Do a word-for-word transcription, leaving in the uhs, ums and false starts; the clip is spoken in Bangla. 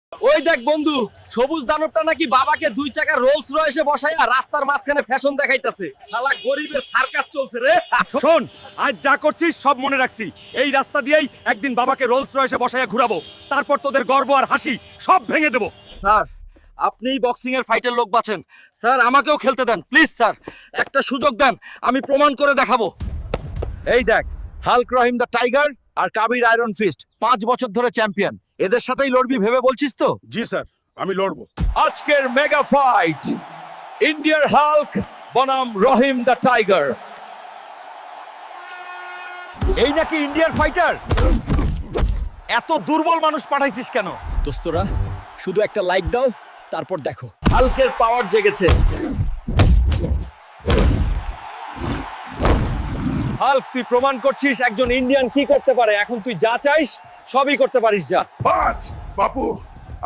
ওই দেখ বন্ধু, সবুজ দানবটা নাকি বাবাকে দুই চাকা রোলস রয়েসে বসাইয়া রাস্তার মাঝখানে ফ্যাশন দেখাইতাছে। শালা গরিবের সার্কাস চলছে রে। শোন, আজ যা করছিস সব মনে রাখছি। এই রাস্তা দিয়েই একদিন বাবাকে রোলস রয়েসে বসাইয়া ঘুরাবো, তারপর তোদের গর্ব আর হাসি সব ভেঙে দেবো। স্যার, আপনিই বক্সিং এর ফাইটের লোক বাছেন স্যার, আমাকেও খেলতে দেন প্লিজ স্যার, একটা সুযোগ দেন, আমি প্রমাণ করে দেখাবো। এই দেখ, হাল্ক রহিম দ্য টাইগার আর কাবির আয়রন ফিস্ট পাঁচ বছর ধরে চ্যাম্পিয়ন, এদের সাথেই লড়বি ভেবে বলছিস তো? জি স্যার, আমি লড়বো। আজকের মেগা ফাইট, ইন্ডিয়ার হাল্ক বনাম রহিম দ্য টাইগার। এই নাকি ইন্ডিয়ার ফাইটার? এত দুর্বল মানুষ পাঠাইছিস কেন? দোস্তরা, শুধু একটা লাইক দাও, তারপর দেখো হাল্কের পাওয়ার জেগেছে। হাল্ক, তুই প্রমাণ করছিস একজন ইন্ডিয়ান কি করতে পারে। এখন তুই যা চাইস সবই করতে পারিস, যা। পাঁচ বাপু